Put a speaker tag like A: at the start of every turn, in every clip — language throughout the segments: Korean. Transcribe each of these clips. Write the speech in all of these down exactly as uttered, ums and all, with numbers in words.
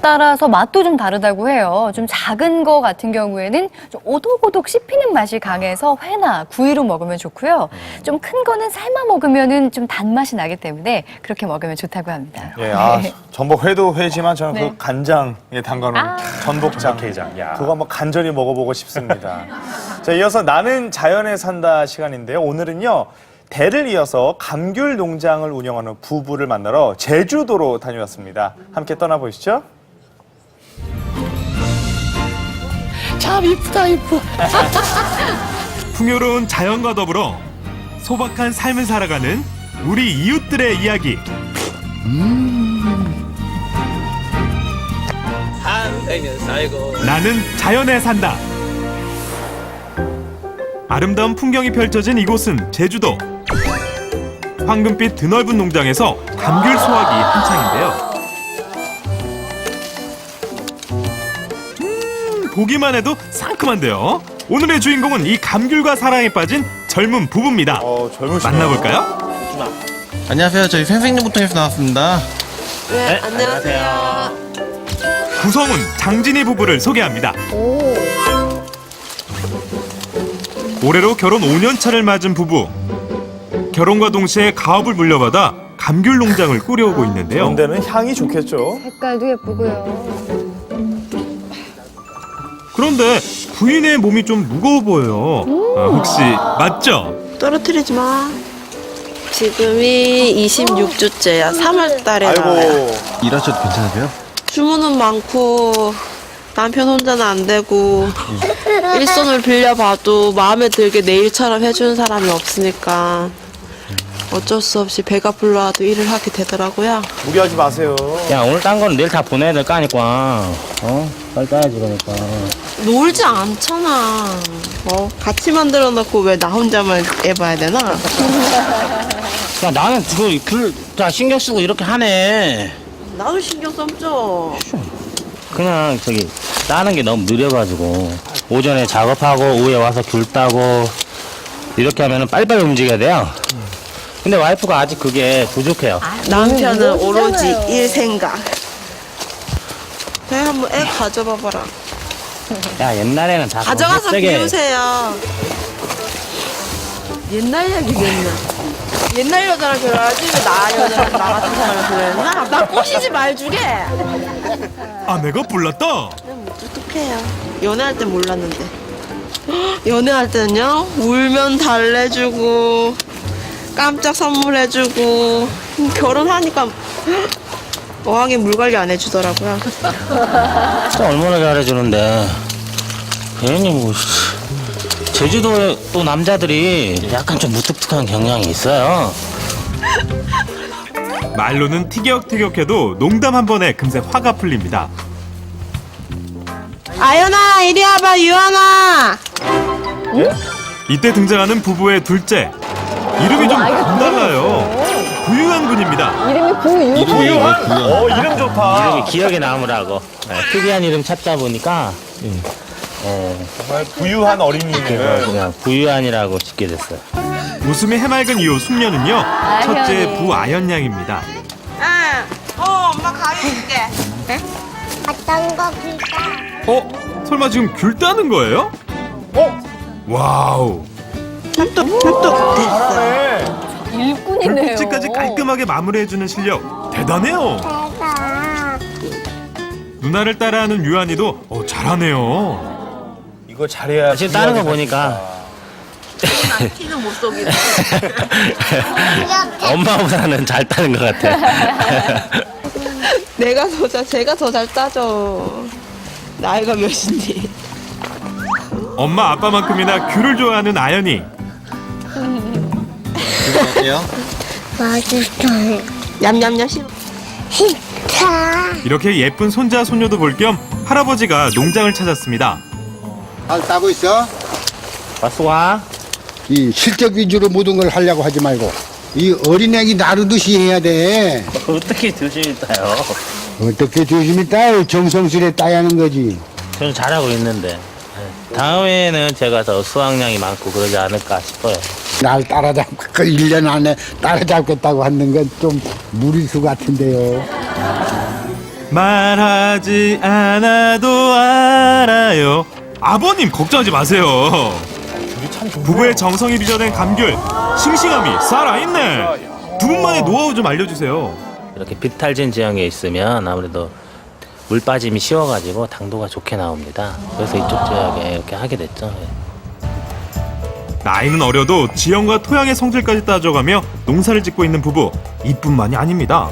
A: 따라서 맛도 좀 다르다고 해요. 좀 작은 거 같은 경우에는 좀 오독오독 씹히는 맛이 강해서 회나 구이로 먹으면 좋고요. 좀 큰 거는 삶아 먹으면은 좀 단맛이 나기 때문에 그렇게 먹으면 좋다고 합니다.
B: 예, 아, 전복 회도 회지만 저는
A: 네.
B: 그 간장에 담가놓은
A: 아.
B: 전복장,
C: 전복게장, 야.
B: 그거 한번 간절히 먹어보고 싶습니다. 자, 이어서 나는 자연에 산다 시간인데요. 오늘은요. 대를 이어서 감귤 농장을 운영하는 부부를 만나러 제주도로 다녀왔습니다. 함께 떠나보시죠.
D: 참 이쁘다 이뻐.
C: 풍요로운 자연과 더불어 소박한 삶을 살아가는 우리 이웃들의 이야기.
D: 한생을 살고
C: 나는 자연에 산다. 아름다운 풍경이 펼쳐진 이곳은 제주도. 황금빛 드넓은 농장에서 감귤 수확이 한창인데요. 음, 보기만 해도 상큼한데요. 오늘의 주인공은 이 감귤과 사랑에 빠진 젊은 부부입니다.
B: 어, 젊으시네요.
C: 만나볼까요?
E: 안녕하세요. 저희 생생정보통에서 나왔습니다.
F: 네, 안녕하세요.
C: 구성훈, 장진희 부부를 소개합니다. 올해로 결혼 오 년 차를 맞은 부부. 결혼과 동시에 가업을 물려받아 감귤 농장을 꾸려오고 있는데요.
B: 그런 데는 향이 좋겠죠.
A: 색깔도 예쁘고요.
C: 그런데 부인의 몸이 좀 무거워 보여요. 아, 혹시 맞죠?
F: 떨어뜨리지 마. 지금이 이십육 주째야. 삼월 달에 나와요.
B: 아이고,
E: 일하셔도 괜찮으세요?
F: 주문은 많고 남편 혼자는 안 되고 일손을 빌려봐도 마음에 들게 내 일처럼 해주는 사람이 없으니까 어쩔 수 없이 배가 불러와도 일을 하게 되더라고요.
B: 무리하지 마세요.
G: 야, 오늘 딴 거는 내일 다 보내야 될 거 아니까. 어? 빨리 따야지, 그러니까.
F: 놀지 않잖아. 어? 같이 만들어 놓고 왜 나 혼자만 해봐야 되나?
G: 야, 나는 그, 그, 자, 신경 쓰고 이렇게 하네.
F: 나도 신경 써죠.
G: 그냥, 저기, 따는 게 너무 느려가지고. 오전에 작업하고, 오후에 와서 귤 따고, 이렇게 하면은 빨리빨리 움직여야 돼요. 근데 와이프가 아직 그게 부족해요.
F: 남편은 오로지 일 생각. 배 한번 애 가져봐봐라.
G: 야, 옛날에는 다.
F: 가져가서
G: 세게
F: 비우세요. 옛날 얘기겠나? 옛날 여자랑 결혼하지 왜 나 여자랑 나 같은 사람을 결혼했나? 나 꼬시지 말주게.
C: 아내가 불렀다.
F: 똑똑해요. 연애할 땐 몰랐는데. 연애할 때는요 울면 달래주고 깜짝 선물해주고 결혼하니까 어항에 물 관리 안 해주더라고요.
G: 진짜 얼마나 잘해주는데. 괜히 뭐, 제주도 또 남자들이 약간 좀 무뚝뚝한 경향이 있어요.
C: 말로는 티격태격해도 농담 한 번에 금세 화가 풀립니다.
F: 아연아 이리 와봐 유연아.
C: 이때 등장하는 부부의 둘째. 이름이 좀 달라요. 부유한 군입니다.
A: 이름이 구유.
B: 부유한? 어, 이름 좋다.
G: 이름이 기억에 남으라고. 네, 특이한 이름 찾다 보니까 네,
B: 정말 부유한 어린이네요.
G: 그냥 부유한이라고 짓게 됐어요.
C: 웃음이 해맑은 이후 숙녀는요. 첫째 부아연 양입니다.
F: 응. 어 엄마 가위 줄게.
H: 어떤 거 길까?
C: 어? 설마 지금 귤 따는 거예요?
B: 어?
C: 와우.
F: 뚝뚝 뚝뚝 됐어.
B: 잘하네.
A: 일꾼이네요.
C: 귤꼭지까지 깔끔하게 마무리해주는 실력 대단해요.
H: 내가
C: 누나를 따라하는 유한이도 어, 잘하네요.
B: 이거 잘해야.
G: 지금 따는 거 보니까
F: 티는 못 속이네.
G: 엄마보다는 잘 따는 것 같아.
F: 내가 더 잘, 제가 더 잘 따져. 나이가 몇인데.
C: 엄마 아빠만큼이나 귤을 좋아하는 아연이.
E: 어때요?
H: 맛있어요.
F: 냠냠냠 씹어.
H: 히타.
C: 이렇게 예쁜 손자 손녀도 볼 겸 할아버지가 농장을 찾았습니다.
I: 잘 따고 있어.
G: 왔어 와.
I: 이 실적 위주로 모든 걸 하려고 하지 말고 이 어린애기 나르듯이 해야 돼.
G: 어떻게 조심히 따요?
I: 어떻게 조심히 따요? 정성스레 따야 하는 거지.
G: 저는 잘하고 있는데. 다음에는 제가 더 수확량이 많고 그러지 않을까 싶어요.
I: 날 따라잡고 그 일 년 안에 따라잡겠다고 하는 건 좀 무리수 같은데요.
C: 말하지 않아도 알아요. 아버님 걱정하지 마세요. 부부의 정성이 빚어낸 감귤, 싱싱함이 살아있네. 두 분만의 노하우 좀 알려주세요.
G: 이렇게 비탈진 지형에 있으면 아무래도 물 빠짐이 쉬워가지고 당도가 좋게 나옵니다. 그래서 이쪽 지역에 이렇게 하게 됐죠.
C: 나이는 어려도 지형과 토양의 성질까지 따져가며 농사를 짓고 있는 부부. 이뿐만이 아닙니다.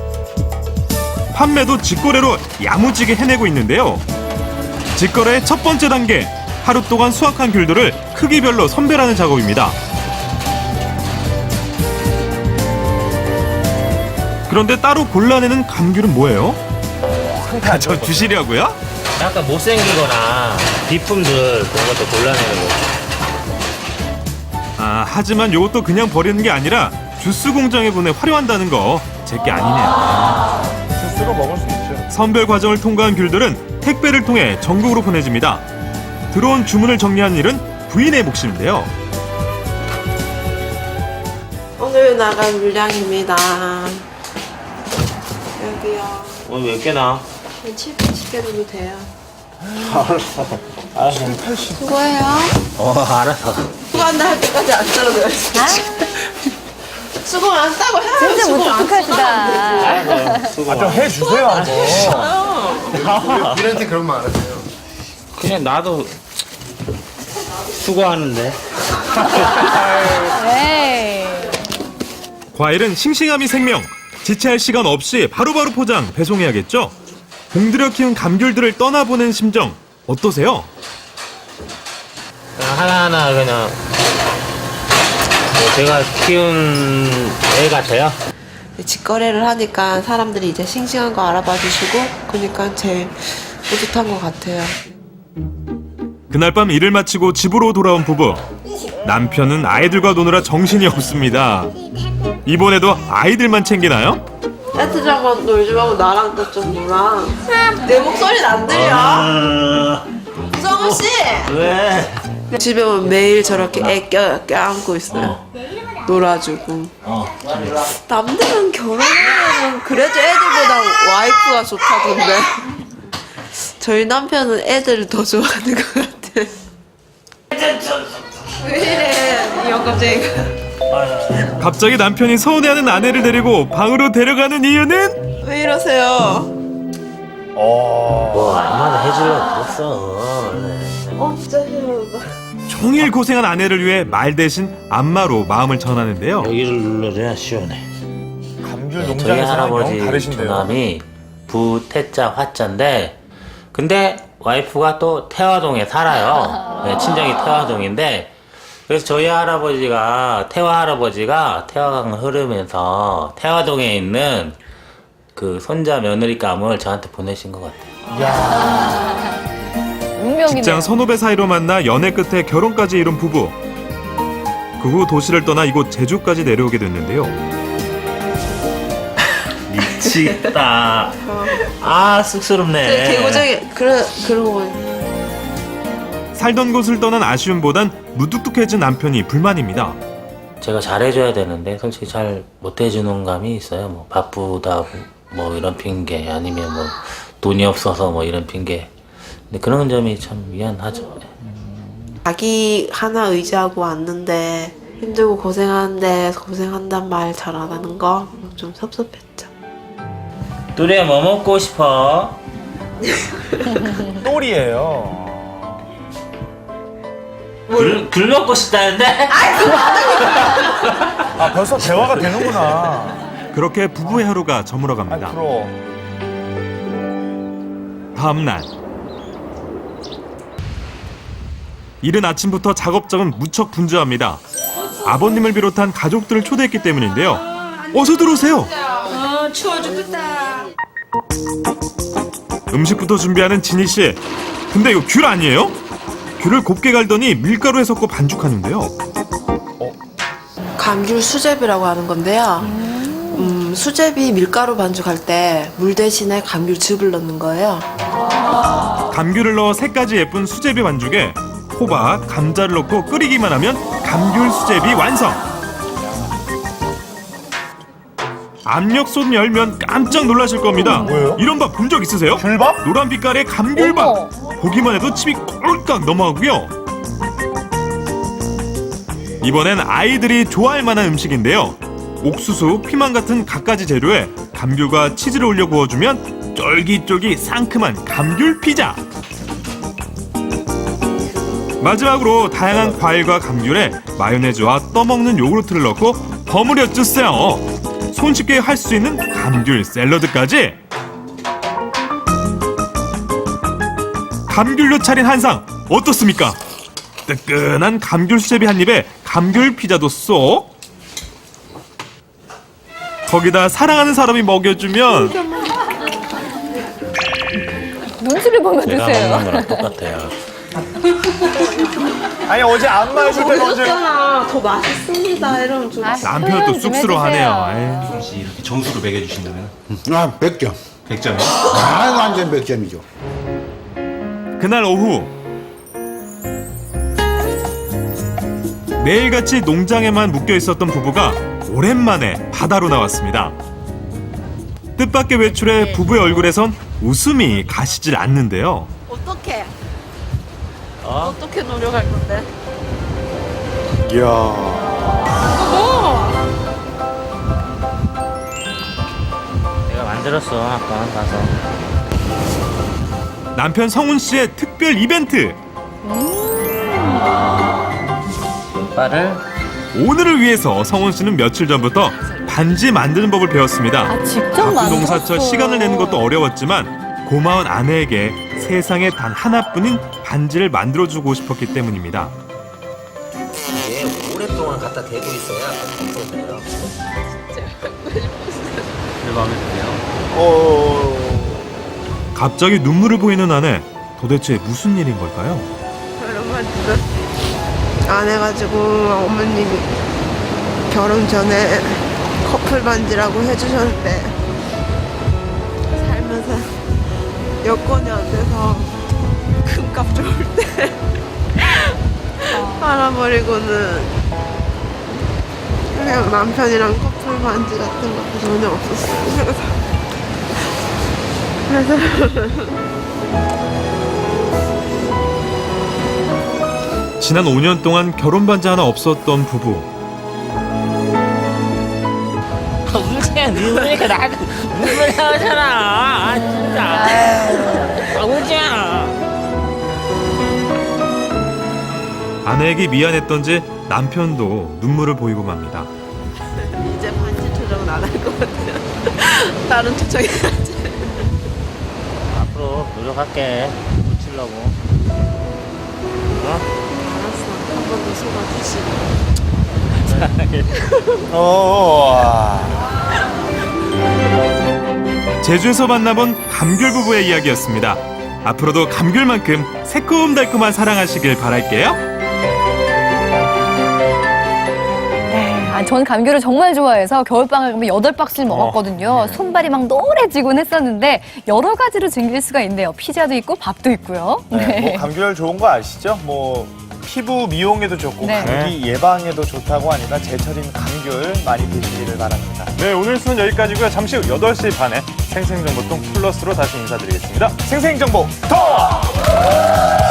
C: 판매도 직거래로 야무지게 해내고 있는데요. 직거래의 첫 번째 단계, 하루 동안 수확한 귤들을 크기별로 선별하는 작업입니다. 그런데 따로 골라내는 감귤은 뭐예요? 아, 저 주시려고요?
G: 약간 못생기거나 비품들 그런 것도 골라내는 거죠.
C: 아, 하지만 이것도 그냥 버리는 게 아니라 주스 공장에 보내 활용한다는 거 제게 아니네요.
B: 주스로 먹을 수 있죠.
C: 선별 과정을 통과한 귤들은 택배를 통해 전국으로 보내집니다. 들어온 주문을 정리하는 일은 부인의 몫인데요.
F: 오늘 나간 물량입니다. 여기요.
G: 오늘 몇 개나?
F: 칠, 팔십 개 정도 돼요.
G: 알았어. 알았어.
F: 수고해요.
G: 어, 알았어.
F: 수고한다 할 때까지 안 떨어져요. 수고 안 싸고 해야
A: 진짜
F: 수고 안
A: 무뚝뚝하시다.
G: 알았어. 수고.
B: 아, 좀 해주세요, 한번.
I: 우리한테 그런 말 안 하세요.
G: 그냥 나도 수고하는데.
A: 네.
C: 과일은 싱싱함이 생명. 지체할 시간 없이 바로바로 포장, 배송해야겠죠? 공들여 키운 감귤들을 떠나보낸 심정 어떠세요?
G: 그냥 하나하나 그냥 뭐 제가 키운 애 같아요.
F: 직거래를 하니까 사람들이 이제 싱싱한 거 알아봐 주시고 그러니까 제일 뿌듯한 것 같아요.
C: 그날 밤 일을 마치고 집으로 돌아온 부부. 남편은 아이들과 노느라 정신이 없습니다. 이번에도 아이들만 챙기나요?
F: 애들하고만 놀지 말고 나랑 또 좀 놀아. 내 목소리는 안 들려. 성우 씨.
G: 왜?
F: 집에 오면 매일 저렇게 애 껴, 껴안고 있어요. 놀아주고. 남들은 결혼하면 그래도 애들보다 와이프가 좋다던데. 저희 남편은 애들을 더 좋아하는 것 같아. 왜 이래, 이 영감쟁이가.
C: 갑자기 남편이 서운해하는 아내를 데리고 방으로 데려가는 이유는?
F: 왜 이러세요?
G: 뭐 얼마나 해주려고 그랬어.
F: 어, 진짜 싫어.
C: 종일 고생한 아내를 위해 말 대신 안마로 마음을 전하는데요.
G: 여기를 눌러줘야 시원해.
B: 감귤
G: 네, 저희
B: 농장에서는 영
G: 할아버지
B: 다르신데요.
G: 조남이 부태자 화자인데 근데 와이프가 또 태화동에 살아요. 네, 친정이 태화동인데 그래서 저희 할아버지가 태화 할아버지가 태화강 흐르면서 태화동에 있는 그 손자 며느리감을 저한테 보내신 것 같아요.
A: 운명이네요.
C: 직장 선후배 사이로 만나 연애 끝에 결혼까지 이룬 부부. 그 후 도시를 떠나 이곳 제주까지 내려오게 됐는데요.
G: 미치겠다. 아 쑥스럽네.
F: 개고생이 그래 그러고 보니.
C: 살던 곳을 떠난 아쉬움보단 무뚝뚝해진 남편이 불만입니다.
G: 제가 잘해줘야 되는데 솔직히 잘 못해주는 감이 있어요. 뭐 바쁘다고 뭐 이런 핑계 아니면 뭐 돈이 없어서 뭐 이런 핑계. 근데 그런 점이 참 미안하죠.
F: 자기 하나 의지하고 왔는데 힘들고 고생하는데 고생한단 말 잘 안 하는 거 좀 섭섭했죠.
G: 뚜리야 뭐 먹고 싶어?
B: 똘이에요.
G: 귤, 귤 먹고 싶다는데?
B: 아, 벌써 대화가 되는구나.
C: 그렇게 부부의 하루가
B: 아,
C: 저물어갑니다.
B: 부러워.
C: 다음 날 이른 아침부터 작업장은 무척 분주합니다. 아버님을 비롯한 가족들을 초대했기 때문인데요. 어서 들어오세요.
J: 어, 추워 죽겠다.
C: 음식부터 준비하는 진희 씨. 근데 이거 귤 아니에요? 귤을 곱게 갈더니 밀가루에 섞고 반죽하는데요.
F: 감귤 수제비라고 하는 건데요. 음, 수제비 밀가루 반죽할 때 물 대신에 감귤즙을 넣는 거예요.
C: 감귤을 넣어 색까지 예쁜 수제비 반죽에 호박, 감자를 넣고 끓이기만 하면 감귤 수제비 완성. 압력솥 열면 깜짝 놀라실 겁니다.
B: 뭐예요?
C: 이런 밥 본 적 있으세요?
B: 귤밥?
C: 노란 빛깔의 감귤밥.
A: 어머.
C: 보기만 해도 침이 꼴깍 넘어가고요. 이번엔 아이들이 좋아할 만한 음식인데요. 옥수수, 피망 같은 갖가지 재료에 감귤과 치즈를 올려 구워주면 쫄깃쫄깃 상큼한 감귤 피자. 마지막으로 다양한 과일과 감귤에 마요네즈와 떠먹는 요구르트를 넣고 버무려 주세요. 손쉽게 할 수 있는 감귤 샐러드까지. 감귤로 차린 한상 어떻습니까? 뜨끈한 감귤 수제비 한 입에 감귤 피자도 쏙. 거기다 사랑하는 사람이 먹여주면
A: 눈치를 보면
G: 제가
A: 드세요.
G: 먹는 거랑 똑같아요.
B: 아니 어제 안 마실 때 언제?
F: 먹었잖아. 더 맛있습니다. 이러면 좀.
A: 아,
C: 남편은 또
A: 표현 좀
C: 쑥스러워하네요.
A: 해주세요.
C: 에이.
E: 혹시 이렇게 점수를 매겨주신다면?
I: 아, 백 점.
E: 백 점이요?
I: 아, 완전 백 점이죠.
C: 그날 오후 매일같이 농장에만 묶여 있었던 부부가 오랜만에 바다로 나왔습니다. 뜻밖의 외출에 부부의 얼굴에선 웃음이 가시질 않는데요.
F: 어떻게? 어? 어떻게 노력할 건데?
B: 이야.
G: 내가 만들었어 아까 가서.
C: 남편 성훈 씨의 특별 이벤트.
G: 빨을
C: 오늘을 위해서 성훈 씨는 며칠 전부터 반지 만드는 법을 배웠습니다.
A: 아, 직접
C: 바쁜
A: 만들었어요.
C: 농사철 시간을 내는 것도 어려웠지만 고마운 아내에게 세상에 단 하나뿐인 반지를 만들어주고 싶었기 때문입니다.
D: 이게 오랫동안 갖다 대고 있어야 없어져요.
E: 내 마음에 드네요.
B: 어.
C: 갑자기 눈물을 보이는 아내. 도대체 무슨 일인 걸까요?
F: 얼마 전에 안 해가지고 어머님이 결혼 전에 커플 반지라고 해주셨는데 살면서 여건이 안 돼서 금값 좋을 때 팔아버리고는 그냥 남편이랑 커플 반지 같은 것도 전혀 없었어요. 그래서 그래서
C: 지난 오 년 동안 결혼 반지 하나 없었던 부부.
G: 울지야 눈물이니까 나 눈물 나오잖아. 아 진짜. 아 울지야.
C: 아내에게 미안했던지 남편도 눈물을 보이고 맙니다.
F: 이제 반지 투정은 안 할 것 같아요. 다른 투정이 하지.
G: 앞으로 노력할게. 붙이려고. 어?
F: 알았어. 한 번 더 속아주시고.
B: 어.
C: 제주에서 만나본 감귤 부부의 이야기였습니다. 앞으로도 감귤만큼 새콤달콤한 사랑하시길 바랄게요.
A: 네, 아, 전 감귤을 정말 좋아해서 겨울방학 가면 여덟 박스를 먹었거든요. 손발이 막 노래지곤 했었는데 여러 가지로 즐길 수가 있네요. 피자도 있고 밥도 있고요.
B: 네. 뭐 감귤 좋은 거 아시죠? 뭐 피부 미용에도 좋고
A: 네.
B: 감기 예방에도 좋다고 하니까 제철인 감귤 많이 드시기를 바랍니다.
C: 네, 오늘 수는 여기까지고요. 잠시 후 여덟 시 반에 생생정보통 플러스로 다시 인사드리겠습니다.
B: 생생정보 더!